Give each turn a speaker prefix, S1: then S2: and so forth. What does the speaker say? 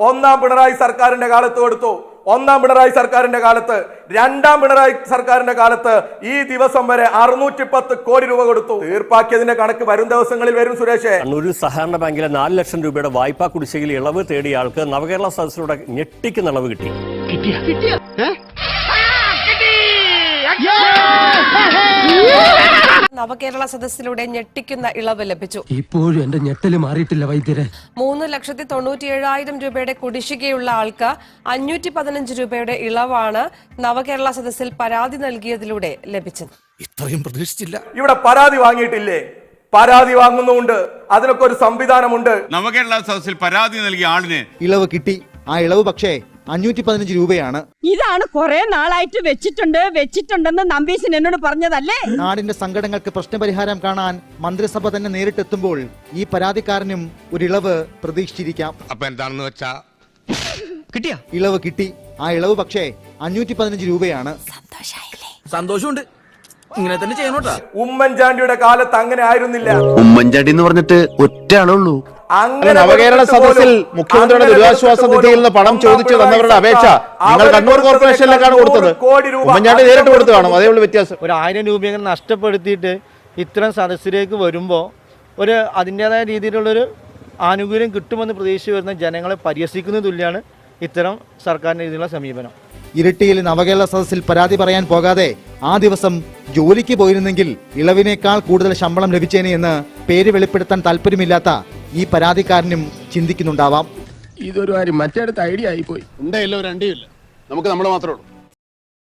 S1: ഒന്നാം പിണറായി സർക്കാരിന്റെ കാലത്ത് കൊടുത്തു. ഒന്നാം പിണറായി സർക്കാരിന്റെ കാലത്ത്, രണ്ടാം പിണറായി സർക്കാരിന്റെ കാലത്ത് ഈ ദിവസം വരെ 610 കോടി രൂപ കൊടുത്തു. തീർപ്പാക്കിയതിന്റെ കണക്ക് വരും ദിവസങ്ങളിൽ വരും. സുരേഷ്,
S2: ഒരു സഹകരണ ബാങ്കിലെ 4 ലക്ഷം രൂപയുടെ വായ്പാ കുടിശ്ശികയിൽ ഇളവ് തേടിയ ആൾക്ക് നവകേരള സദസ്സിലൂടെ ഞെട്ടിക്കുന്ന ഇളവ് കിട്ടി.
S3: നവകേരള സദസ്സിലൂടെ ഞെട്ടിക്കുന്ന ഇളവ് ലഭിച്ചു.
S4: ഇപ്പോഴും എന്റെ ഞെട്ടല് മാറിയിട്ടില്ല വൈദ്യരെ.
S3: 3,97,000 രൂപയുടെ കുടിശ്ശികയുള്ള ആൾക്ക് 515 രൂപയുടെ ഇളവാണ് നവകേരള സദസ്സിൽ പരാതി നൽകിയതിലൂടെ ലഭിച്ചത്.
S5: ഇത്രയും പ്രതീക്ഷിച്ചില്ല.
S1: ഇവിടെ പരാതി വാങ്ങിയിട്ടില്ലേ? പരാതി വാങ്ങുന്നുണ്ട്. അതിനൊക്കെ ഒരു സംവിധാനമുണ്ട്.
S6: നവകേരള സദസ്സിൽ പരാതി നൽകിയ ആളിന്
S7: ഇളവ് കിട്ടി. ആ ഇളവ് പക്ഷേ 515 രൂപയാണ്.
S8: ഇതാണ് കുറെ നാളായിട്ട് വെച്ചിട്ടുണ്ടെന്ന് നമ്പീശൻ എന്നോട് പറഞ്ഞതല്ലേ.
S7: നാടിന്റെ സങ്കടങ്ങൾക്ക് പ്രശ്നപരിഹാരം കാണാൻ മന്ത്രിസഭ തന്നെ നേരിട്ടെത്തുമ്പോൾ ഈ പരാതിക്കാരനും ഒരു ഇളവ് പ്രതീക്ഷിച്ചിരിക്കാം.
S5: അപ്പൊ എന്താണെന്ന് വെച്ചാ
S4: കിട്ടിയാ
S7: ഇളവ് കിട്ടി. ആ ഇളവ് പക്ഷേ 515 രൂപയാണ്.
S4: സന്തോഷമുണ്ട്. ഇങ്ങനെ തന്നെ ചെയ്യണോട്ടാ.
S1: ഉമ്മൻചാണ്ടിയുടെ കാലത്ത് അങ്ങനെ ആയിരുന്നില്ല.
S9: ഉമ്മൻചാണ്ടി എന്ന് പറഞ്ഞിട്ട് ഒറ്റ ആളുള്ളൂ.
S10: നവകേരള സദസ്സിൽ മുഖ്യമന്ത്രിയുടെ ദുരിതാശ്വാസ നിധിയിൽ നിന്ന് പണം ചോദിച്ചു തന്നവരുടെ അപേക്ഷ നിങ്ങൾ കണ്ണൂർ കോർപ്പറേഷനിലേക്കാണ് കൊടുത്തത്. ഉമ്മൻചാണ്ടി നേരിട്ട് കൊടുത്തു കാണും. അതേ ഉള്ളൂ വ്യത്യാസം.
S11: ഒരു 1000 രൂപയെങ്കിലും നഷ്ടപ്പെടുത്തിയിട്ട് ഇത്തരം സദസ്സിലേക്ക് വരുമ്പോൾ ഒരു അതിൻ്റെതായ രീതിയിലുള്ളൊരു ആനുകൂല്യം കിട്ടുമെന്ന് പ്രതീക്ഷിച്ച് വരുന്ന ജനങ്ങളെ പരിഹസിക്കുന്ന തുല്യമാണ് ഇത്തരം സർക്കാരിൻ്റെ രീതിയിലുള്ള സമീപനം.
S7: ഇരിട്ടിയിൽ നവകേരള സദസ്സിൽ പരാതി പറയാൻ പോകാതെ ആ ദിവസം ജോലിക്ക് പോയിരുന്നെങ്കിൽ ഇളവിനേക്കാൾ കൂടുതൽ ശമ്പളം ലഭിച്ചേനെ എന്ന് പേര് വെളിപ്പെടുത്താൻ താല്പര്യമില്ലാത്ത ഈ പരാതിക്കാരനും ചിന്തിക്കുന്നുണ്ടാവാം.
S4: ഇതൊരു കാര്യം മറ്റേടത്ത് ഐഡിയ ആയിപ്പോയി.
S10: എന്തായാലും ഒരു അണ്ടിയില്ല. നമുക്ക് നമ്മൾ മാത്രമേ ഉള്ളൂ.